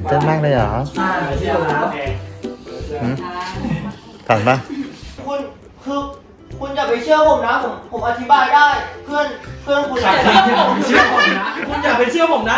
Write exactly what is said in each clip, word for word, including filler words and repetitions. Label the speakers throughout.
Speaker 1: เต้นมากเลยเหรอถันปะ
Speaker 2: คุณคือคุณอย่าไปเชื่อผมนะผมผมอธิบายได้เพื่อนเพื่อนคุณ
Speaker 3: อย่าไปเชื่อผมเชื่อผมนะคุณอย่าไปเชื่อผมนะ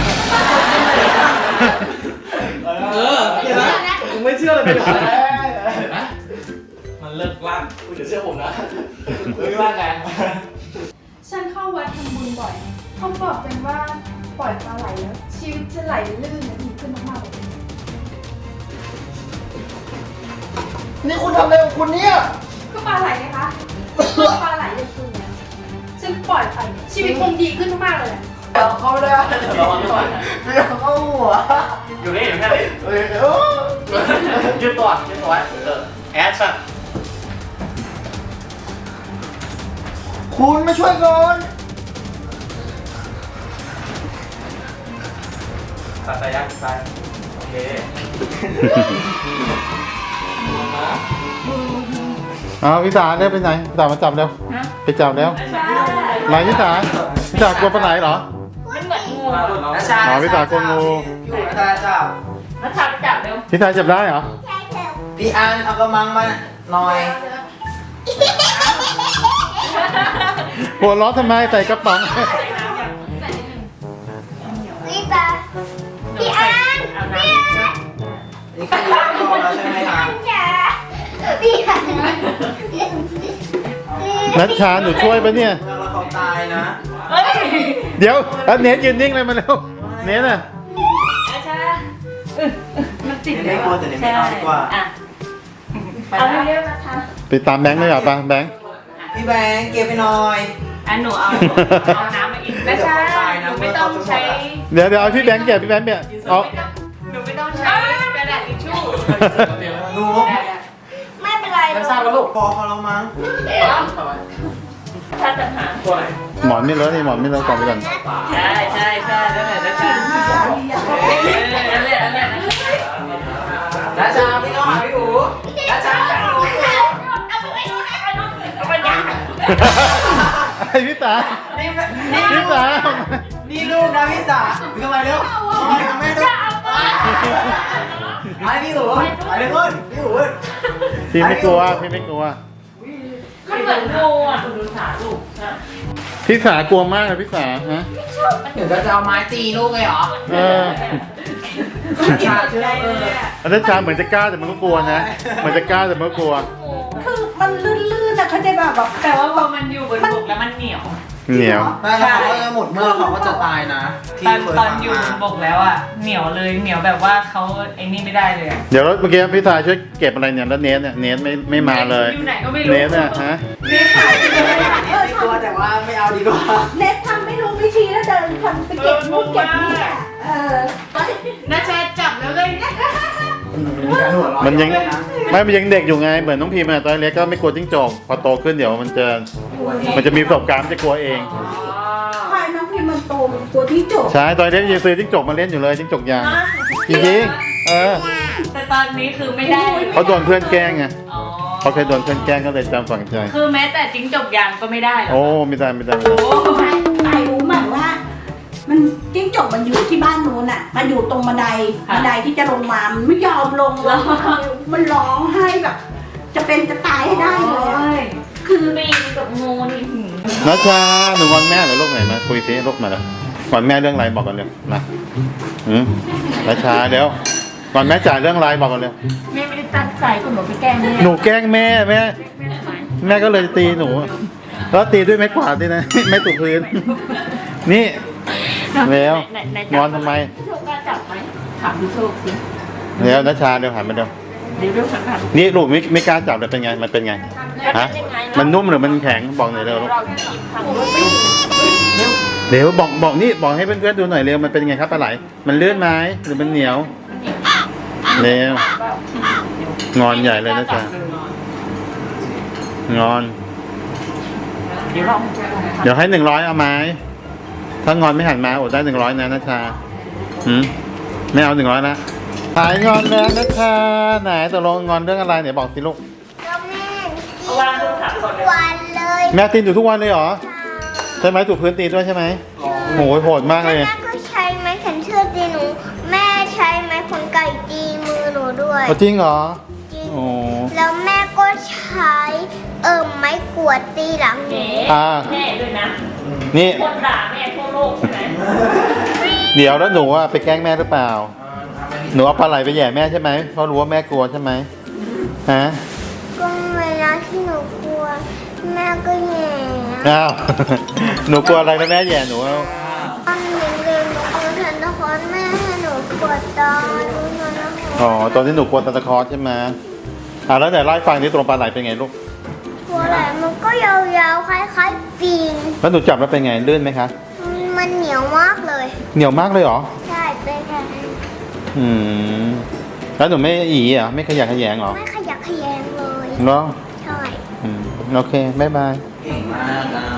Speaker 3: เออเห็นไหมผมไม่เชื่อเลยเป็นไรมันเลิกว่างคุณอย่าเชื่อผมนะไม่ว่าไง
Speaker 4: ฉันเข้าวัดทำบุญบ่อยเขาบอกกันว่าปล่อยปลาไหลแล้วชีวิตจะไหลลื่นและดีขึ้นมากๆเลย
Speaker 2: นี่คุณทำอะไรของคุณเนี่ย
Speaker 4: ก็ปลาไหลไงคะปลาไหลเลยคุณเนี่ยฉันปล่อยไปชีวิตคงดีขึ้นมากๆเลยแหละ
Speaker 2: เดี๋ยวเข้าไม่ได้ระวังก่อนเดี๋ยวเข้าหัว
Speaker 3: อยู่นี่อยู่แค่นี้
Speaker 2: เฮ้ยโอ้
Speaker 3: ยืดตัวยืดตัวไว้เออแอคชั่น
Speaker 2: คุณมาช่วยก่อน
Speaker 3: ตัดสายยักษ์สายโอเค
Speaker 1: เอาพี่สาเร็วไปไหนพี่สามาจับเร็วไปจับเร็วไหนพี่สาพี่สากลัวปลาไหลเหรอ
Speaker 2: นะชา
Speaker 1: อ๋อพี่สากลัวงู
Speaker 2: อยู่นะชาจับ
Speaker 4: นักข่าวจับเร็ว
Speaker 1: พี่สาจับได้เหรอ
Speaker 2: พี่อันเอากระมังมาหน่อย
Speaker 1: หัวล้อทำไมใส่กระป๋อง
Speaker 5: พี่ตาพี่อันพี่อัน
Speaker 2: นี่คือรอแล้วใช่ไหมครับ
Speaker 5: จ๋าพี่อัน
Speaker 1: นัชชาหนูช่วยปะเนี่ย
Speaker 2: แล้วเขาตายนะ
Speaker 1: เดี๋ยวเอาเนทยืนนิ่งเลยมาเร็วเนทน่ะ
Speaker 4: มันติด
Speaker 2: ไม่กลัวแต่ไม่นอนดีกว่า
Speaker 4: เอาเร็วๆนะคะ
Speaker 1: ไปตามแบงค์เลยเหรอปะแบงค์
Speaker 2: พี่แบงค์เก็บไปหน่อย
Speaker 4: อันหนูเอาเอาน้ำมากินนะจ๊ะหนูไม่ต้องใช้
Speaker 1: เดี๋ยวเดี๋ยวเอาพี่แบงค์เก็บพี่แบงค์เก็บเอา
Speaker 4: หนูไม่ต้องใช้กระดาษทิชชู่
Speaker 2: หนู
Speaker 5: ไม่เป็นไร
Speaker 3: ไม่ทราบแล้วลูก
Speaker 2: พอเขาแล้วมั้ง
Speaker 4: ถ้าจะหา
Speaker 3: ตัวไหน
Speaker 1: หมอนไม่เลอะนี่หมอนไม่เลอะก่อนไปก่อน
Speaker 4: ใช่ใช่ใช่นั่นแหละนั่นแหละนั่นแหละนั่นแหละ
Speaker 2: นะชาพี่ต้องหาพี่หูนะชา
Speaker 4: เอาไปยัง
Speaker 1: ไอ้พี่สา
Speaker 2: นี่
Speaker 1: พี่สา
Speaker 2: นี่ลูกนะพี่สาพี่ทำไมเร็วทำไมทำไมเร็วไอ้พี่หูไอ้เด็กคนพี่หู
Speaker 1: พี่ไม่กลัวพี่ไม่กลัว
Speaker 4: มันเหมือนงูอ่ะดูขาลูก
Speaker 1: พี่สากลัวมากเลยพี่สาฮะ
Speaker 2: เดี๋ยวจะเอาไม้ตีลูกเลยเหรอ
Speaker 1: เออ
Speaker 2: ชาเชื่อเออ
Speaker 1: อันนั้นชาเหมือนจะกล้าแต่มันก็กลัวนะเหมือนจะกล้าแต่มันก็กลัว
Speaker 6: คือมันลื่นๆนะเขาใจแบบแบบ
Speaker 4: แต่ว่าพอมันอยู่บนบกแล้วมันเหนียว
Speaker 1: เหนียว
Speaker 2: ถ้าเขาจะหมดเมื่อเขาก็จะตายนะ
Speaker 4: ตอนตอนอยู่บนบกแล้วอ่ะเหนียวเลยเหนียวแบบว่าเขาไอ้นี่ไม่ได้เลย
Speaker 1: เดี๋ยวเมื่อกี้พี่สาช่วยเก็บอะไรเนี่ยแล้วเนทเนี่ยเนทไม่ไม่มาเลย
Speaker 4: อยู่ไหนก็ไม่รู้
Speaker 1: เนทเนี่ยฮะ
Speaker 6: เน็ตถ่ายไปเลยเออ
Speaker 2: กลัวแต่ว่าไม่เอาดีกว่า
Speaker 6: เน็ตทำไม่รู้วิธีแล้วเดินคนไปเก็บนู่นเก็บนี่อ่ะเออ
Speaker 4: น่าจะจับแล้วเลย
Speaker 1: มันยังไม่มันยังเด็กอยู่ไงเหมือนน้องพีมอะตอนเล็กก็ไม่กลัวจิ้งจกพอโตขึ้นเดี๋ยวมันจะมันจะมีประสบการณ์มันจะกลัวเอง
Speaker 6: พายน้องพิมมันโตเป็นตัวที่จบ
Speaker 1: ใช่ตอนเล็กยังซื้อจิ้งจกมาเล่นอยู่เลยจิ้งจกยางจริงๆเออ
Speaker 4: แต่ตอนนี้คือไม่ได้
Speaker 1: เขาโดนเพื่อนแกล้งไง
Speaker 4: อ๋อ
Speaker 1: เขาเคยโดนเพื่อนแกล้งก็เลยจำฝังใจ
Speaker 4: คือแม้แต่จิ้งจกยางก็ไม่ได้เหรอ
Speaker 1: โอ้ไม่ได้ไม่ได้ไม่ได้
Speaker 6: ใครรู้ไหมว่า มันจิ้งจกมันอยู่ที่บ้านนู้นอ่ะมันอยู่ตรงบันไดบันไดที่จะลงมามันไม่ยอมลงเลยมันร้องไห้แบบ จะเป็นจะตายให้ได้เลยอะคือ
Speaker 4: ปีนกับงูนี่หืม
Speaker 1: นัชชาหนูงอนแม่เหรือลูกไหนมาคุยซิลูกมาแล้วงอนแม่เรื่องอะไรบอกกันเร็วมาอืมนัชชาเดี๋ยวงอนแม่จ่ายเรื่องอะไรบอกกันเร็ว
Speaker 4: แม่ไม่ได้ตั้งใจคุณหนูไปแกล้งแม่
Speaker 1: หนูแกล้งแม่แม่แม่ก็เลยตีหนูแล้วตีด้วยไม้กวาดด้วยนะ ไม่ถูกพื้น นี่แล้วงอนทำไม
Speaker 4: โชคกล้าจับไหมถามพี่โชคสิ
Speaker 1: เดี๋ยวนัชชาเดี๋ยวหันมาเดี๋ยว
Speaker 4: เดี๋ยวเรื่องสำคัญ
Speaker 1: นี่ลูกไม่ไม่กล้าจับเลยเป็นไงมันเป็นไงฮะมันนุ่มหรือมันแข็งบอกหน่อยเร็วลูก
Speaker 4: เราที่ทำ
Speaker 1: เดี๋ยวบอกบอกนี่บอกให้เพื่อนๆดูหน่อยเร็วมันเป็นไงครับปลาไหลมันเลื่อนไหมหรือมันเหนียวเร็วงอนใหญ่เลยนะจ๊ะงอน
Speaker 4: เดี๋ยวลอง
Speaker 1: เดี๋ยวให้หนึ่งร้อยเอาไหมถ้างอนไม่หันมาอดได้หนึ่งร้อยนะนัชชาหืมไม่เอาหนึ่งร้อยนะหายงอนแล้วนัชชาไหนตกลงงอนเรื่องอะไรไหนบอกสิลูก
Speaker 5: ก็แม่
Speaker 4: เอาวางดูถามก่อนเลย
Speaker 5: วันเลย
Speaker 1: แม่ตีนอยู่ทุกวันเลยเหรอใช่ไหมถูกพื้นตีด้วยใช่ไหมโหโหดมากเลย
Speaker 5: แม่ก็ใช้ไม้แขวนเชือกตีหนูแม่ใช้ไม้
Speaker 1: เอาจริงเหรอ
Speaker 5: จริง
Speaker 1: โอ้
Speaker 5: แล้วแม่ก็ใช้เอิมไม้กวาดตีหลังหนู
Speaker 1: อ่า
Speaker 7: แม่ด้วยนะ
Speaker 1: นี่
Speaker 7: คนด่าแม่ทั่วโลกใช่ไหม
Speaker 1: เดี๋ยวแล้วหนูว่าไปแกล้งแม่หรือเปล่า หนูเอาปลาไหลไปแย่แม่ใช่ไหมเพราะรู้ว่าแม่กลัวใช่ไหมฮะ
Speaker 5: ก็เวลาที่หนูกลัว แม่ก็แย่
Speaker 1: อ้าว หนูกลัวอะไรแล้วแม่แย่หนูเอา
Speaker 5: ตอนเด็กๆหนูกลัวซันตาคลอสแม่ให้หนูกวดตาดูหน่อยนะคะ
Speaker 1: อ๋อตอนที่หนูกลัวตาตะคอใช่ไหมอ่าแล้วไหนเล่าให้ฟังที่ตัวปลาไหลเป็นไงลูก
Speaker 5: ตัวอะไรมันก็ยาวๆคล้ายๆปีน
Speaker 1: แล้วหนูจับแล้วเป็นไงลื่นไหมคะ
Speaker 5: มันเหนียวมากเลย
Speaker 1: เหนียวมากเลยเหรอ
Speaker 5: ใช่เป็นแค่
Speaker 1: อืม แล้วหนูไม่อีเหรอไม่ขยักขยงเหรอ
Speaker 5: ไม่ขยักขยงเลย
Speaker 1: เหรอ
Speaker 5: ใช่
Speaker 1: อืมโอเคบ๊ายบาย
Speaker 3: เก่งมากอ่ะ